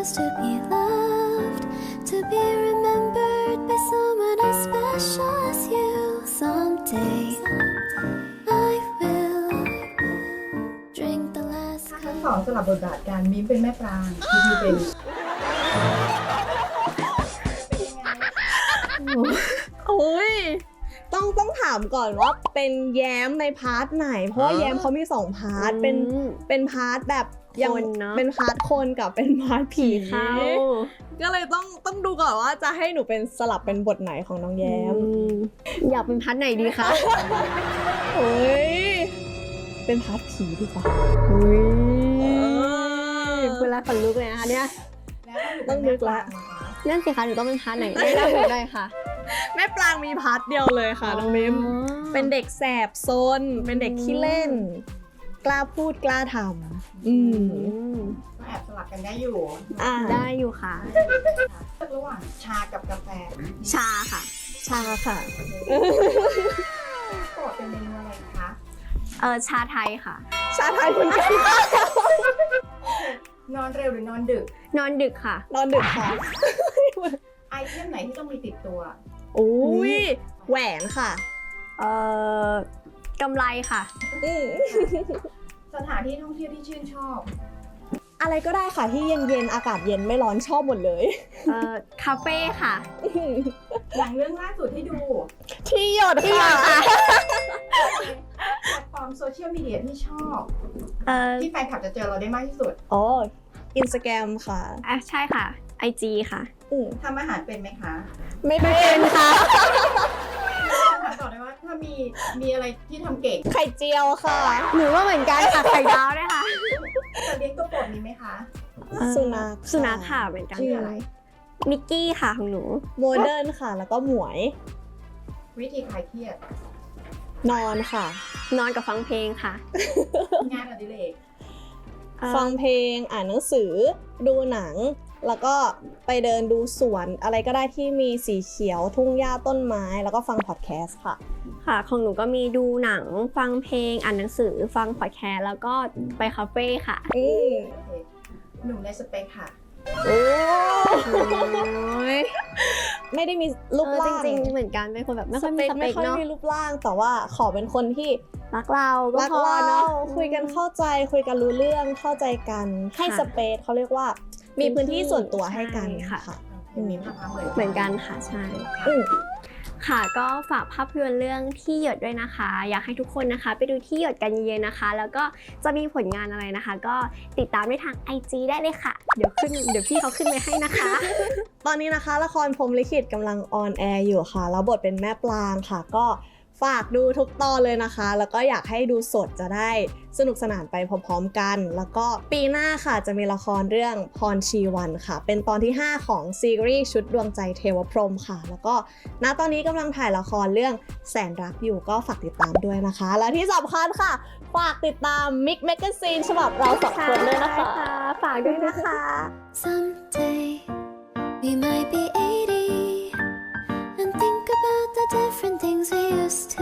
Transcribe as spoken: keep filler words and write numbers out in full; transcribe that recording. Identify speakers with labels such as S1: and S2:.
S1: chance to be loved, to be remembered by someone as special as you. Someday I will drink the last
S2: ทั้งสองสลับบทบาทกันมิ้มเป็นแม่ปรางพี่พีเป็น
S3: โอ้ยต้องต้องถามก่อนว่าเป็นแย้มในพาร์ทไหนเพราะว่าแย้มเขามีสองพาร์ทเป็นเป็นพาร์ทแบบยังเป็นพาร์ทคนกับเป็นพาร์ทผีเข้าก็เลยต้องต้องดูก่อนว่าจะให้หนูเป็นสลับเป็นบทไหนของน้องแย้ม
S4: อยากเป็นพาร์ทไหนดีคะ
S3: โอ้ยเป็นพาร์ทผีดีกว่า
S4: เวลาขนลุกเลยนะคะเนี่ย
S3: ต้องนึกละ
S4: นั่นสิคะหนูต้องเป็นพาร์ทไหนได้ได้ได้ค่ะ
S3: แม่ปรางมีพาร์ทเดียวเลยค่ะน้องมิมเป็นเด็กแสบซนเป็นเด็กขี้เล่นกล้าพูดกล้าทำอืม
S2: ก็แอบสลับกันได้อยู่
S4: อ่าได้อยู่ค่ะ
S2: ระหว่างชากับกาแฟ
S4: ชาค่ะ
S3: ชาค่ะ
S2: โปรดเป็นเมนูอะไรคะ
S4: เออชาไทยค่ะ
S3: ชาไทยคุณกัน
S2: นอนเร็วหรือนอนดึก
S4: นอนดึกค่ะ
S3: นอนดึกค่ะ
S2: ไอเทมไหนที่ต้องมีติดตัว
S3: โอ้ยแหวนค่ะ
S4: เอ่อกำไรค่ะ
S2: สถานที่ท่องเที่ยวที่ชื่นชอบ
S3: อะไรก็ได้ค่ะที่เย็นๆอากาศเย็นไม่ร้อนชอบหมดเลย
S4: เอ่อคาเฟ่ค่ะ
S2: หนังเรื่องล่าสุดที่ดู
S3: ที่หยดค่ะ
S2: แพลตฟอร์มโซเชียลมีเดียที่ชอบ
S4: เอ่อ
S2: ที่แฟนคลับจะเจอเราได้มากที่สุด
S3: อ๋ออินสตาแกรมค่ะ
S4: อ่ะใช่ค่ะไอจีค่ะ
S2: ทำอาหารเป็นไหมคะ
S3: ไม่เป็นค่ะ
S2: ถามต่อได้ว่าถ้ามีมีอะไรที่ทำเก่ง
S3: ไข่เจียวค่ะ
S4: หนูว่าเหมือนกันค่ะไข่ดาวด้วยค่ะ
S2: แต่เลี้ยงตัวโปรดมีไหมคะ
S3: สุนัข
S4: สุนัขค่ะเหมือนกัน
S2: ชื่ออะไร
S4: มิกกี้ค่ะของหนู
S3: โมเดิร์นค่ะแล้วก็หมวย
S2: วิธีคลายเครียด
S3: นอนค่ะ
S4: นอนกับฟังเพลงค่ะ
S2: งานอดิเรก
S3: ฟังเพลงอ่านหนังสือดูหนังแล้วก็ไปเดินดูสวนอะไรก็ได้ที่มีสีเขียวทุ่งหญ้าต้นไม้แล้วก็ฟังพอดแคสต์ค่ะ
S4: ค่ะของหนูก็มีดูหนังฟังเพลงอ่านหนังสือฟังพอดแคสต์แล้วก็ไปคาเฟ่ค่ะ
S3: อืม
S2: หนุ่มในสเปคค่ะ
S3: โอ้ยไม่ได้มีรูปร่าง
S4: จริงๆเหมือนกันเป็นคนแบบไม่ค่อยมีสเปคเนาะ
S3: ไม่ค่อยมีรูปร่างแต่ว่าขอเป็นคนที่
S4: รักเราก็
S3: พอเนาะคุยกันเข้าใจคุยกันรู้เรื่องเข้าใจกันให้สเปซเขาเรียกว่ามีพื้นที่ส่วนตัวให้กันค่ะ
S4: เหมือนกันค่ะใช่ค่ะก็ฝากภาพยนตร์เรื่องที่หยดด้วยนะคะอยากให้ทุกคนนะคะไปดูที่หยดกันเย็นๆนะคะแล้วก็จะมีผลงานอะไรนะคะก็ติดตามได้ทาง ไอ จี ได้เลยค่ะเดี๋ยวขึ้นเดี๋ยวพี่เขาขึ้นไว้ให้นะคะ
S3: ตอนนี้นะคะละครพรหมลิขิตกำลังออนแอร์อยู่ค่ะแล้วบทเป็นแม่ปลางค่ะก็ฝากดูทุกตอนเลยนะคะแล้วก็อยากให้ดูสดจะได้สนุกสนานไปพร้อมๆกันแล้วก็ปีหน้าค่ะจะมีละครเรื่องพรชีวันค่ะเป็นตอนที่ห้าของซีรีส์ชุดดวงใจเทวพรหมค่ะแล้วก็ณตอนนี้กำลังถ่ายละครเรื่องแสนรักอยู่ก็ฝากติดตามด้วยนะคะและที่สำคัญค่ะฝากติดตามมิกแมกกาซีนฉบับเราสองคนด้วยนะคะ
S4: ฝากด้วยนะคะ
S1: Someday we might be eighty and think about the different things we used to